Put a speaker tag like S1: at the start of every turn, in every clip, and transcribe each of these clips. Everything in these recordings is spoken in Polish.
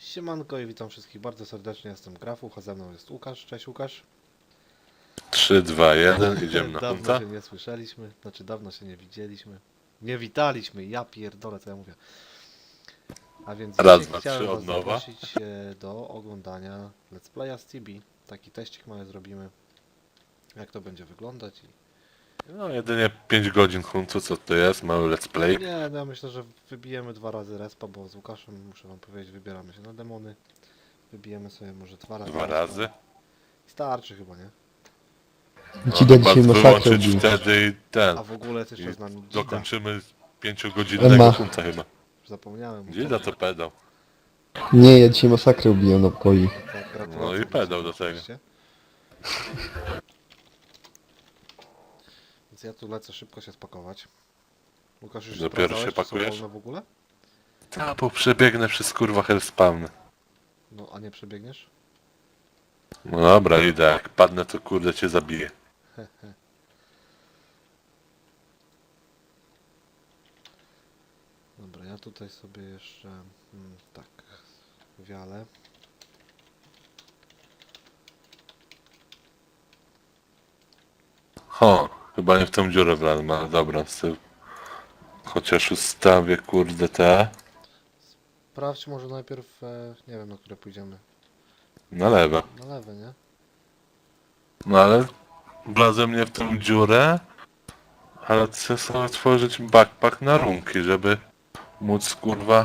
S1: Siemanko i witam wszystkich bardzo serdecznie, jestem Grafuch, a ze mną jest Łukasz. Cześć Łukasz.
S2: 3, 2, 1, idziemy na
S1: Dawno
S2: hunta.
S1: się nie słyszeliśmy, znaczy dawno się nie widzieliśmy. Nie witaliśmy, ja pierdolę co ja mówię. A więc
S2: Raz,
S1: dzisiaj
S2: dwa,
S1: chciałem
S2: trzy,
S1: was
S2: od nowa.
S1: zaprosić do oglądania Let's Playa z Tibi. Taki teścik mały zrobimy, jak to będzie wyglądać.
S2: No jedynie 5 godzin huntu, co to jest? Mały let's play.
S1: Nie, no ja myślę, że wybijemy 2 razy respa, bo z Łukaszem, muszę wam powiedzieć, wybieramy się na demony. Wybijemy sobie może 2 razy
S2: 2
S1: respa.
S2: razy.
S1: Starczy chyba, nie?
S2: No,
S3: Dzida
S2: chyba
S3: dzisiaj masakrę
S2: wyłączyć
S3: ubił.
S2: wtedy i ten.
S1: A w ogóle jest jeszcze
S2: I
S1: z nami Dzida.
S2: dokończymy 5-godzinnego
S3: Emma.
S2: hunta chyba.
S1: Zapomniałem.
S2: Dzida to pedał.
S3: Nie, ja dzisiaj masakrę ubiłem na poi.
S1: Tak, gratulacje
S2: No i
S1: dla
S2: pedał
S1: ciebie
S2: do tego.
S1: oczywiście. Więc ja tu lecę szybko się spakować. Łukasz, już
S2: Dopiero
S1: sprawdzałeś,
S2: się
S1: czy są
S2: pakujesz?
S1: wolne w ogóle?
S2: Ta, bo przebiegnę przez kurwa hellspawny.
S1: No, a nie przebiegniesz?
S2: No dobra, idę. Jak padnę, to kurde cię zabiję.
S1: Dobra, ja tutaj sobie jeszcze... tak, wiale.
S2: Ho, chyba nie w tą dziurę wlazłem, ale dobra, z tyłu. Chociaż ustawię kurde te.
S1: Sprawdź może najpierw, nie wiem na które pójdziemy.
S2: Na lewo.
S1: Na lewe, nie?
S2: No ale wlazłem nie w tą dziurę, ale chcę sobie otworzyć backpack na runki, żeby móc kurwa...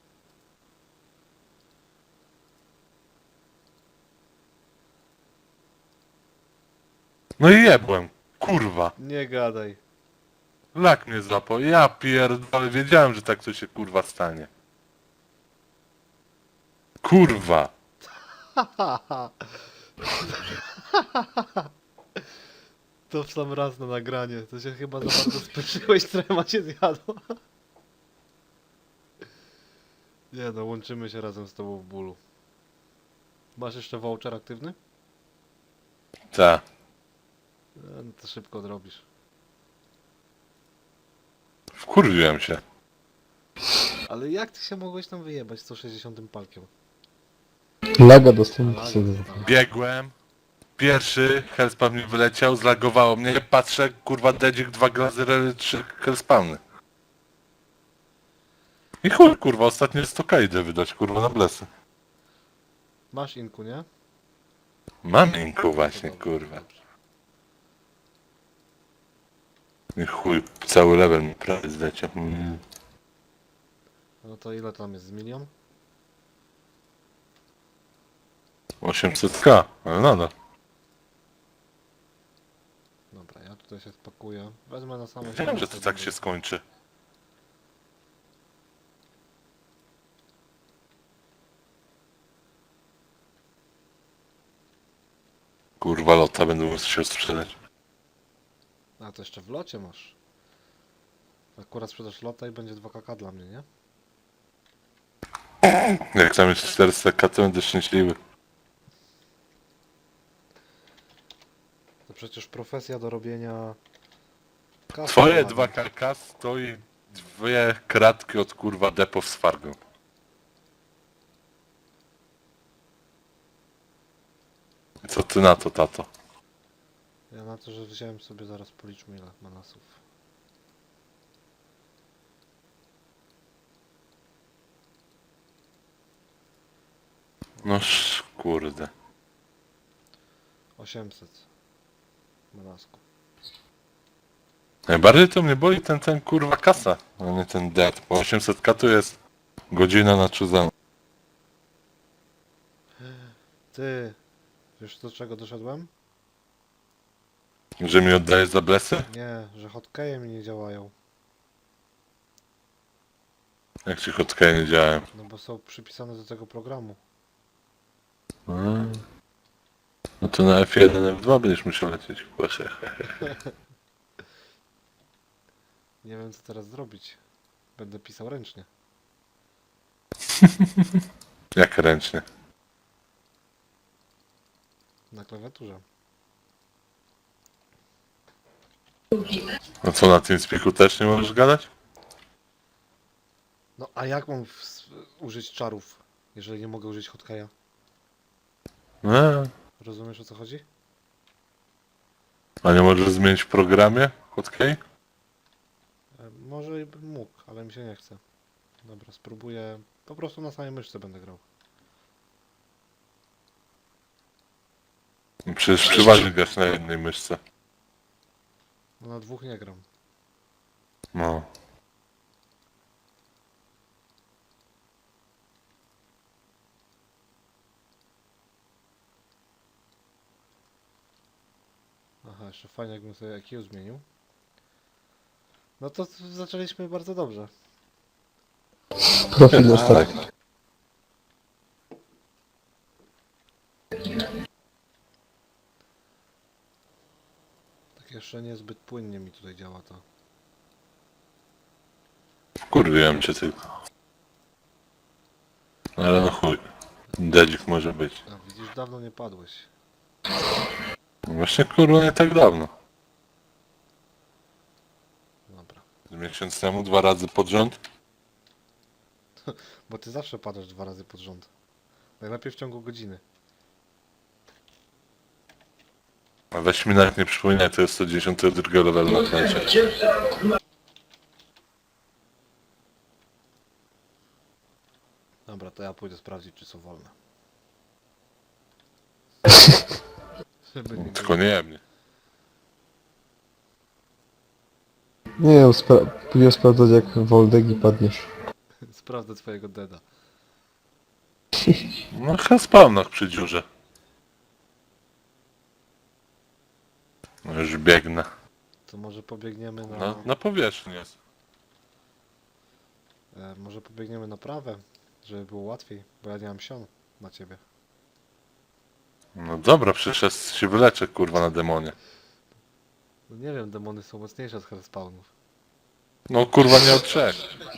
S2: No i jebłem, kurwa.
S1: Nie gadaj.
S2: Lak mnie złapał, ja pierdolę, wiedziałem, że tak to się kurwa stanie. Kurwa.
S1: To w sam raz na nagranie. To się chyba za bardzo spieszyłeś, trema cię zjadła. Nie no, łączymy się razem z tobą w bólu. Masz jeszcze voucher aktywny?
S2: Ta.
S1: No to szybko odrobisz.
S2: Wkurwiłem się.
S1: Ale jak ty się mogłeś tam wyjebać 160 palkiem?
S3: Laga dostałem
S1: Laga
S3: sobie.
S1: dostałem.
S2: Biegłem. Pierwszy hellspawn mi wyleciał, zlagowało mnie, patrzę, kurwa, dedzik, 2 glazery, 3 hellspawny. I chuj, kurwa, ostatnie 100k idę wydać, kurwa, na blesy.
S1: Masz inku, nie?
S2: Mam inku właśnie,
S1: To dobrze,
S2: kurwa.
S1: dobrze.
S2: I chuj, cały level mi prawie zleciał.
S1: No to ile tam jest? Z milion?
S2: 800k, ale nadal.
S1: Dobra, ja tutaj się spakuję. Wezmę na samą
S2: Wiem, że to tak się skończy. Kurwa, lota będę musiał sprzedać.
S1: A to jeszcze w locie masz. Akurat sprzedasz lota i będzie 2 kk dla mnie, nie?
S2: Jak tam jest 400k, to będę szczęśliwy.
S1: To przecież profesja do robienia... kasy
S2: Twoje
S1: ładnej.
S2: 2kk stoi 2 kratki od kurwa depo z Fargo. Co ty na to, tato?
S1: Ja na to, że wziąłem sobie, zaraz policzmy ile manasów.
S2: No kurde.
S1: 800 manasku.
S2: Najbardziej to mnie boli ten kurwa kasa, a nie ten dead, bo 800k to jest godzina na czuzan.
S1: Ty, wiesz do czego doszedłem?
S2: Że mi oddajesz za blesy?
S1: Nie, że hotkeje mi nie działają.
S2: Jak ci hotkey nie działałem.
S1: No bo są przypisane do tego programu.
S2: No to na F1, F2 będziesz musiał lecieć. Proszę.
S1: Nie wiem co teraz zrobić. Będę pisał ręcznie.
S2: Jak ręcznie.
S1: Na klawiaturze.
S2: No co, na tym spiku też nie możesz gadać?
S1: No a jak mam użyć czarów? Jeżeli nie mogę użyć hotkeya.
S2: No,
S1: Rozumiesz, o co chodzi?
S2: a nie możesz zmienić w programie? Hotkey?
S1: Może i bym mógł, ale mi się nie chce. Dobra, spróbuję. Po prostu na samej myszce będę grał.
S2: Przecież przeważnie grasz na jednej myszce.
S1: No na dwóch nie gram.
S2: No.
S1: Aha, jeszcze fajnie jakbym sobie IQ zmienił. No to zaczęliśmy bardzo dobrze.
S3: Profil na start.
S1: Tak jeszcze niezbyt płynnie mi tutaj działa to.
S2: Wkurwiłem cię tylko. Ale no chuj. Dedzik może być.
S1: A widzisz, dawno nie padłeś.
S2: Właśnie kurwa nie tak dawno.
S1: Dobra.
S2: Z miesiąc temu 2 razy pod rząd.
S1: Bo ty zawsze padasz 2 razy pod rząd. Najlepiej w ciągu godziny.
S2: A weź mi nawet nie przypominaj, to jest 110 level na klecie.
S1: Dobra, to ja pójdę sprawdzić, czy są wolne. Żeby nie
S2: Tylko nie mnie.
S3: Nie, pójdę sprawdzać jak Woldegi padniesz.
S1: sprawdzę twojego deda.
S2: No chyba spawnach przy dziurze. No już biegnę.
S1: To może pobiegniemy na...
S2: Na powierzchni jest.
S1: może pobiegniemy na prawe, żeby było łatwiej, bo ja nie mam sion na ciebie.
S2: No dobra, przecież ja się wyleczę kurwa na demonie.
S1: No nie wiem, demony są mocniejsze od hellspawnów.
S2: No kurwa nie od 3.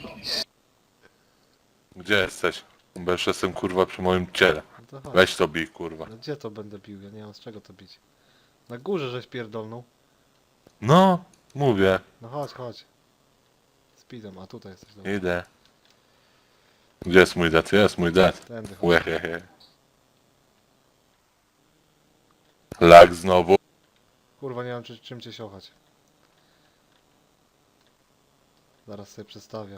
S2: Gdzie jesteś? Bo już jestem kurwa przy moim ciele.
S1: No to chodź.
S2: Weź to bij kurwa.
S1: No gdzie to będę bił? Ja nie mam z czego to bić. Na górze żeś pierdolnął.
S2: No, mówię.
S1: No chodź, chodź. Speedem, a tutaj jesteś. Dobra.
S2: Idę. Gdzie jest mój dat? Jest mój dat.
S1: Tędy chodź.
S2: Łehehe. Lag znowu.
S1: Kurwa, nie mam czym cię siochać. Zaraz sobie przestawię.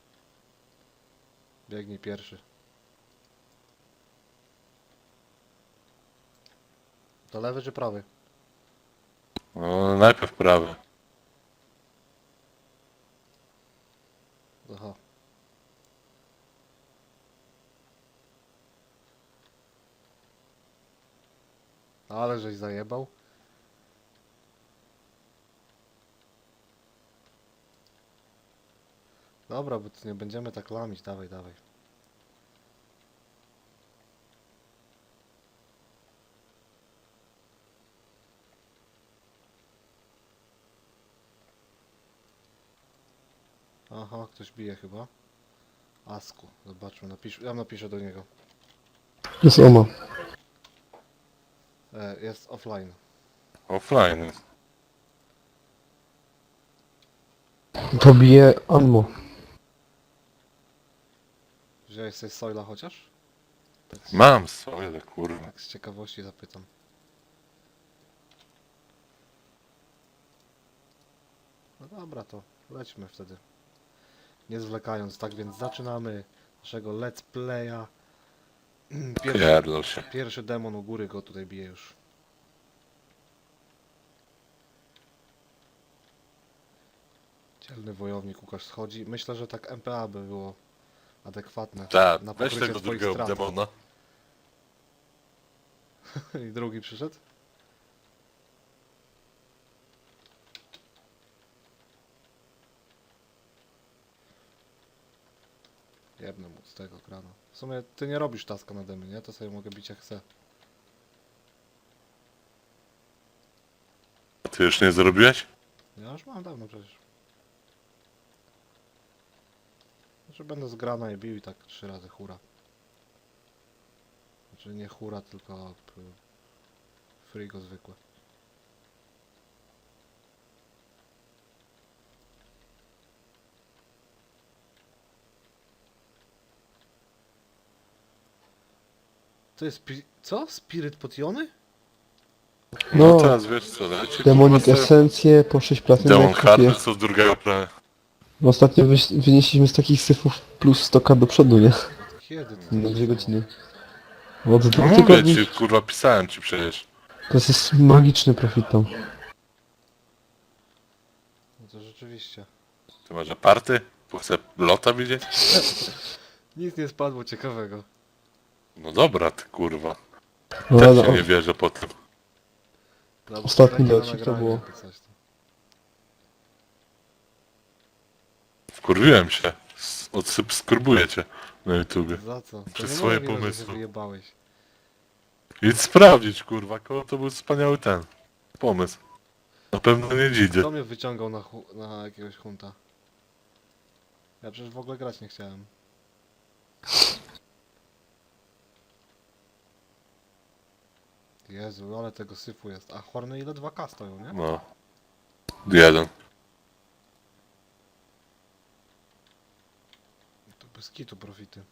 S1: Biegnij pierwszy. To lewy czy prawy?
S2: No, najpierw prawy.
S1: Aha. Ale żeś zajebał. Dobra, bo tu nie będziemy tak lamić. Dawaj, dawaj. Aha, ktoś bije chyba. Asku, zobaczmy, ja napiszę do niego.
S3: Jest Oma.
S1: Jest offline.
S2: Offline jest.
S3: Pobije Anmo.
S1: Wziąłeś sobie Soila chociaż? Tak z,
S2: Mam swoje kurwa.
S1: tak z ciekawości zapytam. No dobra, to lećmy wtedy. Nie zwlekając, tak więc zaczynamy naszego let's playa.
S2: Pierdol się.
S1: Pierwszy demon u góry go tutaj bije już. Dzielny wojownik Łukasz schodzi. Myślę, że tak MPA by było adekwatne
S2: Tak,
S1: na
S2: weź
S1: pokrycie
S2: tego
S1: twoich
S2: drugiego
S1: strat.
S2: demona.
S1: I drugi przyszedł? Jebnę mu z tego krana. W sumie ty nie robisz taska nade mnie, nie? To sobie mogę bić jak chcę.
S2: Ty już nie zrobiłeś?
S1: Ja już mam dawno przecież. Znaczy będę z grana i bił i tak 3 razy hura. Znaczy nie hura, tylko frigo zwykłe. To jest co? Spiryt potiony?
S2: No
S3: No,
S2: teraz wiesz co, leci
S3: Demonic
S2: kurwa,
S3: Esencje po 6
S2: Demon
S3: platynek
S2: Hardy
S3: kupię.
S2: co z drugiego prawa.
S3: Ostatnio wynieśliśmy z takich syfów plus 100 do przodu, nie?
S1: Od kiedy to
S3: Na 2
S1: trwało?
S3: godziny. Od
S2: No
S3: 2
S2: mówię
S3: tygodni.
S2: ci, kurwa, pisałem ci przecież.
S3: To jest magiczny profit tam.
S1: No to rzeczywiście.
S2: Ty masz aparty? Chcę lota widzieć?
S1: Nic nie spadło ciekawego.
S2: No dobra, ty kurwa.
S3: No,
S2: Też
S3: ale
S2: się nie wierzę po tym.
S1: Dobra,
S3: Ostatni
S1: będzie na
S3: locik to
S1: nagraniu,
S3: było.
S1: jakby coś tam.
S2: Wkurwiłem się. Odsubskrybuję cię na YouTubie.
S1: Za co? To
S2: Przez
S1: nie
S2: swoje
S1: moja wina, że się
S2: pomysły.
S1: wyjebałeś.
S2: Idź sprawdzić, kurwa, koło to był wspaniały ten pomysł. Na pewno nie dzidzie.
S1: Kto mnie wyciągał na jakiegoś hunta? Ja przecież w ogóle grać nie chciałem. Jezu, ale tego syfu jest. A horny ile 2K stoją, nie?
S2: No. Jeden.
S1: To bez kitu profity.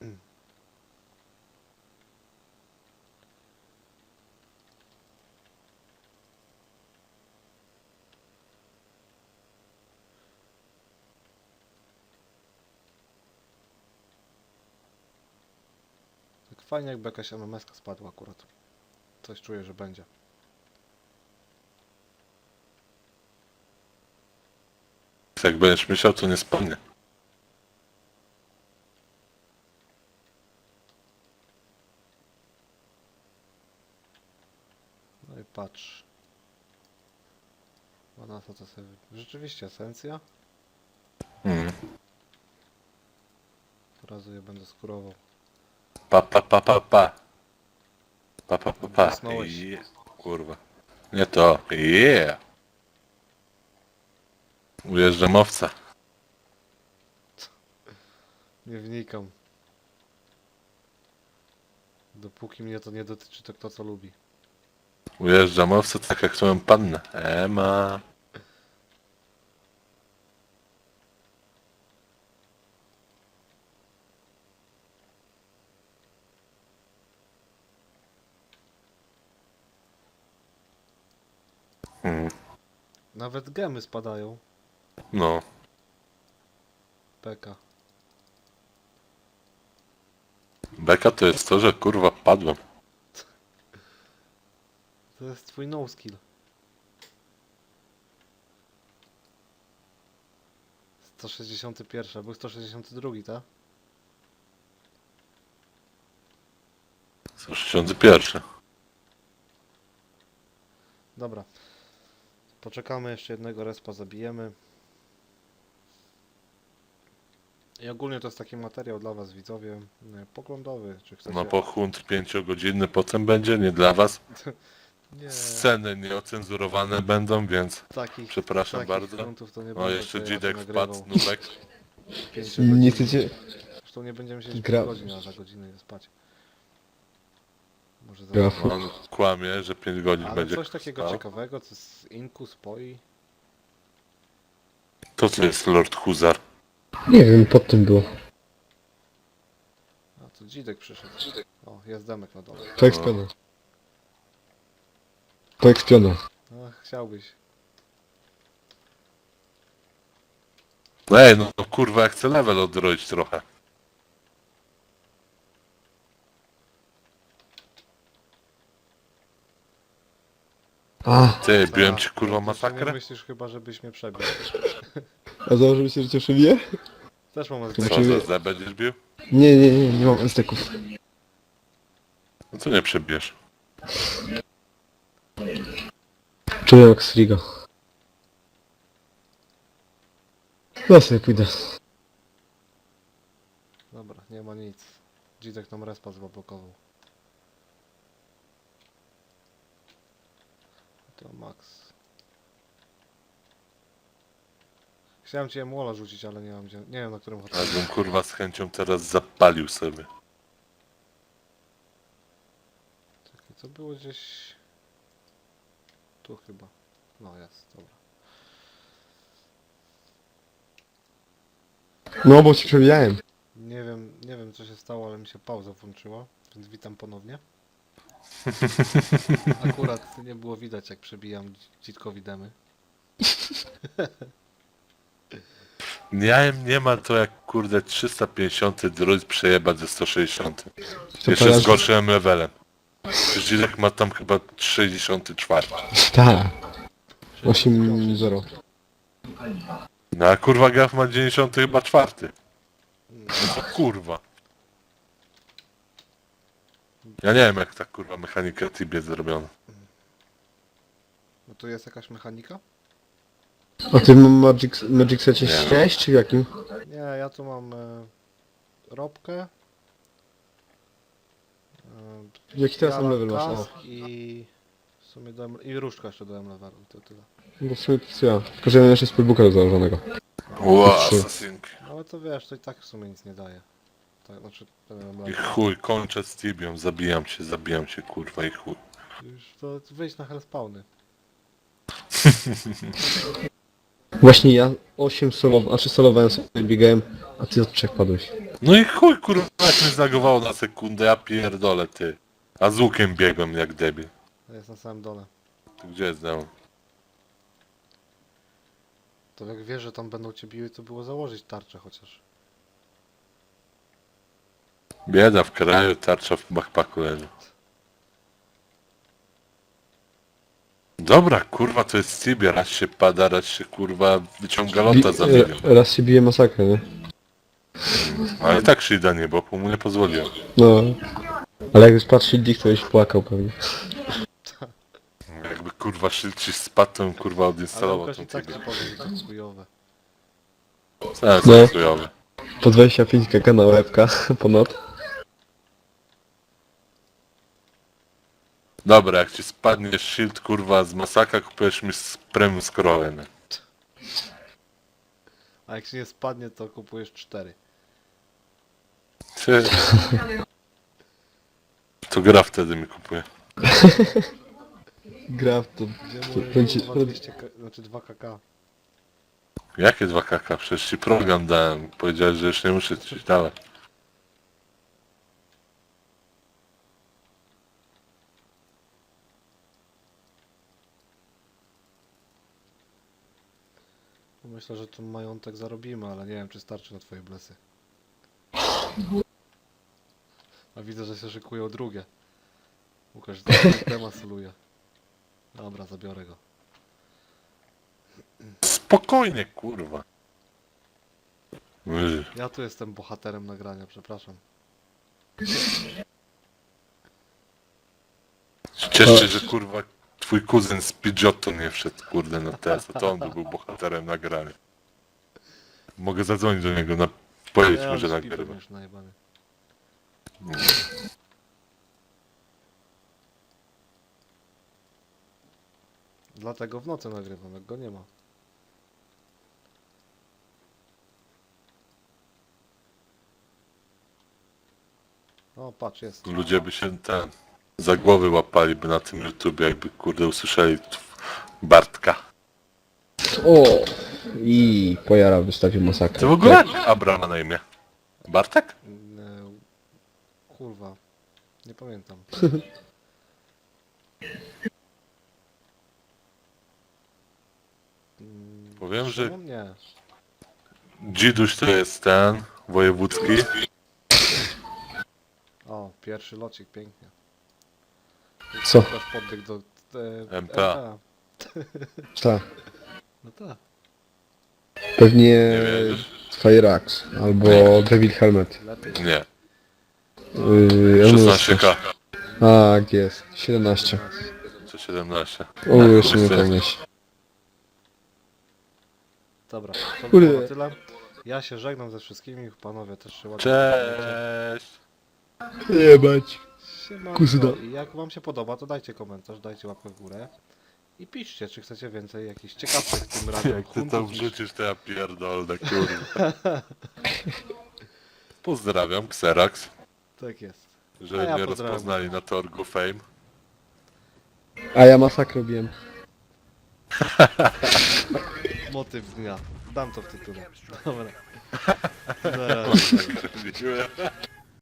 S1: Tak fajnie jakby jakaś MMS-ka spadła akurat. Coś czuję, że będzie.
S2: Jak będziesz myślał, to nie spadnie.
S1: No i patrz. A na to sobie... Rzeczywiście esencja.
S2: Mm.
S1: Od razu je będę skurował.
S2: Pa pa pa pa pa. Pa pa pa pa.
S1: Zasnąłeś.
S2: Kurwa. Nie to. Yeah. Ujeżdżam owca.
S1: Nie wnikam. Dopóki mnie to nie dotyczy, to kto co lubi.
S2: Ujeżdżam owca tak jak swoją pannę. Ema. Mm.
S1: Nawet gemy spadają.
S2: No.
S1: Peka.
S2: Beka to jest to, że kurwa padłem.
S1: To jest twój no skill. 161, był 162, tak?
S2: 61.
S1: Dobra. Poczekamy, jeszcze jednego respa zabijemy. I ogólnie to jest taki materiał dla was, widzowie, poglądowy, czy chcecie...
S2: No po hunt 5-godzinny potem będzie, nie dla was.
S1: Nie,
S2: Sceny nieocenzurowane będą, więc
S1: takich,
S2: przepraszam
S1: takich
S2: bardzo.
S1: gruntów to nie
S2: No
S1: będę
S2: jeszcze
S1: sobie
S2: Dzidek
S1: raczej
S2: wpadł,
S1: nagrywał.
S2: Nubek.
S1: 5
S3: nie
S1: godzin.
S3: chcecie...
S1: Zresztą nie będziemy siedzieć
S3: Gra-
S1: 5 godzin, a za godzinę je spać. Może za...
S3: Graf.
S2: On kłamie, że 5 godzin
S1: Ale
S2: będzie
S1: coś takiego
S2: spał.
S1: ciekawego, co z Inku spoi.
S2: To co jest Lord Huzar?
S3: Nie wiem, pod tym było.
S1: A tu Dzidek przyszedł. O, jest demek na dole.
S3: Poekspiona. Poekspiona.
S1: No, chciałbyś.
S2: Ej, no kurwa, ja chcę level odroić trochę.
S3: A,
S2: Ty, biłem ci
S1: A,
S2: kurwa
S1: to ty nie
S2: masakrę?
S1: myślisz chyba, żebyś mnie przebił.
S3: a założył się, że cię szybię?
S1: Też mam
S3: To
S1: SDK.
S2: Co,
S3: Znaczy-
S2: za Z będziesz bił?
S3: Nie mam esteków.
S2: No to nie przebijesz.
S3: Czuję jak Sriga. Ja sobie pójdę.
S1: Dobra, nie ma nic. Dzidek nam respa zablokował. To max. Chciałem cię młola rzucić, ale nie mam gdzie. Nie wiem na którym hotelu.
S2: Ja bym kurwa z chęcią teraz zapalił sobie.
S1: Czekaj, co było gdzieś... Tu chyba. No jest, dobra.
S3: No bo ci przebijałem.
S1: Nie wiem co się stało, ale mi się pauza włączyła. więc witam ponownie. Akurat nie było widać, jak przebijam dzitkowi demy.
S2: Nie ma to jak kurde 350 druid przejebać ze 160.
S3: To
S2: Jeszcze
S3: teraz-
S2: z gorszym levelem. Dzidek ma tam chyba 64.
S3: Tak. 8-0.
S2: No a kurwa Graf ma 90 chyba 4. No to kurwa. Ja nie wiem jak ta kurwa mechanika Tibie zrobiona.
S1: No tu jest jakaś mechanika?
S3: A ty Magic Secie
S2: Nie.
S3: siedziałeś, czy w jakim?
S1: Nie, ja tu mam robkę.
S3: Jaki teraz tam level masz? O.
S1: kask i w sumie i różdżka jeszcze dałem levelu, to tyle.
S3: No w sumie to co ja. Tylko że ja mam jeszcze spellbooka do założonego.
S2: Ło,
S3: Trzy.
S2: asasynki.
S1: No ale to wiesz, to i tak w sumie nic nie daje. Tak, znaczy,
S2: I chuj, kończę z Tibią, zabijam cię kurwa i chuj.
S1: już to wyjść na hellspawny.
S3: Właśnie ja 8 solowałem, znaczy solowałem sobie, biegałem, a ty od 3 padłeś.
S2: No i chuj kurwa jak mnie zagowało na sekundę, ja pierdolę ty. A z łukiem biegłem jak debil.
S1: To jest na samym dole.
S2: Tu gdzie jest demon?
S1: To jak wiesz, że tam będą cię biły, to było założyć tarczę chociaż.
S2: Bieda w kraju, tarcza w backpacku leży. Dobra, kurwa, to jest Tibia, raz się pada, raz się kurwa wyciąga lota za milion.
S3: Raz się bije masakrę, nie?
S2: Ale i tak Shida nie, bo mu nie pozwoliłem.
S3: No. Ale jak już patrzył Dick, to już płakał pewnie.
S2: Jakby kurwa shield ci spadł, to bym kurwa
S1: Ale
S2: odinstalował
S1: Łukasz
S2: tą
S1: i tak
S2: Tibię.
S1: ci powie, że to jest chujowe.
S2: Zaraz
S3: No.
S2: chujowy.
S3: Po 25 kk na łebka, ponad.
S2: Dobra, jak ci spadnie shield kurwa z masaka, kupujesz mi z premium scrollem. nie?
S1: A jak się nie spadnie, to kupujesz 4.
S2: Ty... To gra wtedy mi kupuje.
S3: Gra w to.
S1: Gdzie
S3: To
S1: mówię,
S3: będzie-
S1: 200, znaczy 2 kk.
S2: Jakie 2 kk? Przecież ci program dałem. Powiedziałeś, że już nie muszę ci dawać.
S1: Myślę, że tu majątek zarobimy, ale nie wiem, czy starczy na twoje blesy. A widzę, że się szykują drugie. Łukasz temat soluje. Dobra, zabiorę go.
S2: Spokojnie, kurwa. Ej,
S1: Ja tu jestem bohaterem nagrania, przepraszam.
S2: Cieszę się, że kurwa twój kuzyn z Pidgeotto nie wszedł, kurde, na TS, to on by był bohaterem nagrania. Mogę zadzwonić do niego, powiedzieć mu, że
S1: śpi
S2: nagrywa.
S1: pewnie już najebany. Dlatego w nocy nagrywam, jak go nie ma. O, patrz, jest.
S2: Ludzie by się za głowy łapali by na tym YouTubie, jakby kurde usłyszeli Bartka.
S3: O! I pojara wystawił masakrę.
S2: To w ogóle Abra ma na imię. Bartek?
S1: Kurwa. Nie pamiętam.
S2: Powiem, że
S1: Szymon? Nie.
S2: Dziduś to jest ten wojewódzki.
S1: O, pierwszy locik, pięknie.
S3: Co?
S1: Też podbiegł do
S2: MPA.
S3: Tak.
S1: No tak.
S3: Pewnie
S2: Nie wierzysz?
S3: Fire Axe albo Devil Helmet.
S1: Lepiej.
S2: Nie. 16k.
S3: Tak, jest. 17.
S2: Czy 17.
S3: O, jeszcze nie
S2: Kurde.
S3: pomyśl.
S1: Dobra, to
S3: Kurde.
S1: było na tyle. Ja się żegnam ze wszystkimi, panowie też się ładnie
S2: Cześć!
S3: Jebać.
S1: Siemanko.
S3: Kuzyna.
S1: I jak wam się podoba, to dajcie komentarz, dajcie łapkę w górę. I piszcie, czy chcecie więcej jakichś ciekawszych tym razem
S2: Jak ty
S1: huntów
S2: to
S1: niż-
S2: wrzucisz, to ja pierdolę, kurwa. Pozdrawiam, Xerax,
S1: Tak jest.
S2: że
S1: A ja
S2: mnie
S1: pozdrawiam.
S2: rozpoznali na torgu Fame.
S3: A ja masakrę robiłem.
S1: Motyw dnia. Dam to w tytule. Dobra. Zaraz.
S2: Dziękuję.